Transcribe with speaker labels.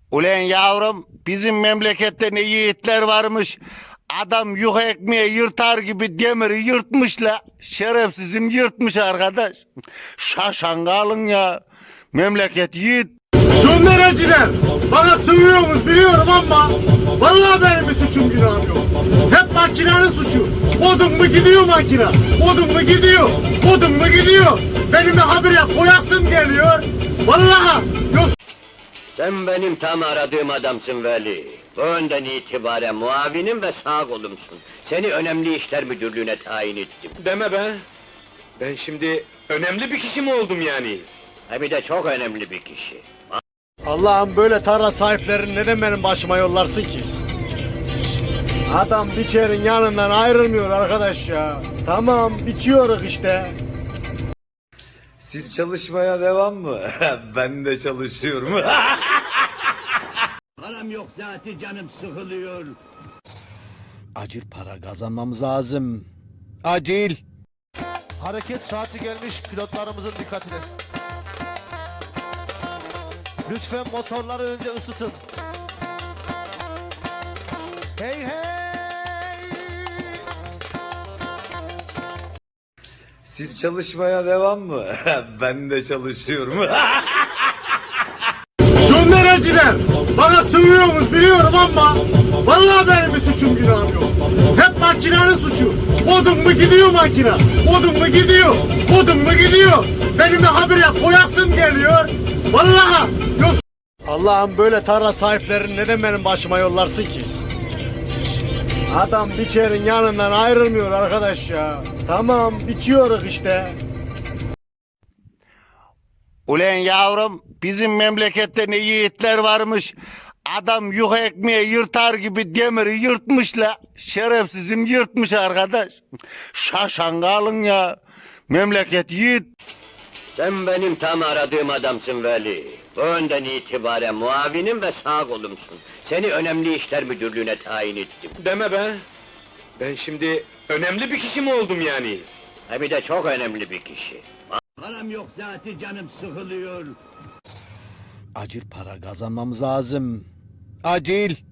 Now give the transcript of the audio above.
Speaker 1: Ulan yavrum, bizim memlekette ne yiğitler varmış. Adam yuh ekmeği yırtar gibi demiri yırtmış la. Şerefsizim yırtmış arkadaş. Şaşan kalın ya. Memleket yiğit.
Speaker 2: Şunlaracılar bana sığıyorsunuz biliyorum ama vallahi benim bir suçum günahım yok. Hep makinenin suçu. Odun mu gidiyor makine? Odun mu gidiyor? Odun mu gidiyor? Benim de habire koyasım geliyor. Vallahi yok.
Speaker 3: Sen benim tam aradığım adamsın Veli. Bu önden itibaren muavinim ve sağ kolumsun. Seni önemli işler müdürlüğüne tayin ettim.
Speaker 4: Deme be! Ben şimdi önemli bir kişi mi oldum yani?
Speaker 3: Hem de çok önemli bir kişi.
Speaker 2: Allah'ım böyle tarla sahiplerini neden benim başıma yollarsın ki? Adam biçerin yanından ayrılmıyor arkadaş ya. Tamam biçiyoruz işte.
Speaker 5: Siz çalışmaya devam mı? Ben de çalışıyorum.
Speaker 3: Param yok zaten canım sıkılıyor.
Speaker 6: Acil para kazanmamız lazım. Acil.
Speaker 7: Hareket saati gelmiş pilotlarımızın dikkatine. Lütfen motorları önce ısıtın. Hey hey!
Speaker 5: Siz çalışmaya devam mı? Ben de çalışıyorum.
Speaker 2: Şunlaracılar bana sığıyorsunuz biliyorum ama vallahi benim bir suçum günahım yok. Hep makinenin suçu. Odun mu gidiyor makine? Odun mu gidiyor? Odun mu gidiyor? Benim de habire koyasım geliyor. Vallahi yok. Allah'ım böyle tarla sahiplerini neden benim başıma yollarsın ki? Adam biçerin yanından ayrılmıyor arkadaş ya. Tamam biçiyoruz işte.
Speaker 1: Ulan yavrum, bizim memlekette ne yiğitler varmış. Adam yuh ekmeği yırtar gibi demiri yırtmış la. Şerefsizim yırtmış arkadaş. Şaşan kalın ya. Memleket yiğit.
Speaker 3: Sen benim tam aradığım adamsın Veli. Bu önden itibaren muavinim ve sağ kolumsun. Seni önemli işler müdürlüğüne tayin ettim.
Speaker 4: Deme be! Ben şimdi önemli bir kişi mi oldum yani?
Speaker 3: Hem de çok önemli bir kişi. Param yok zaten canım sıkılıyor.
Speaker 6: Acil para kazanmamız lazım. Acil.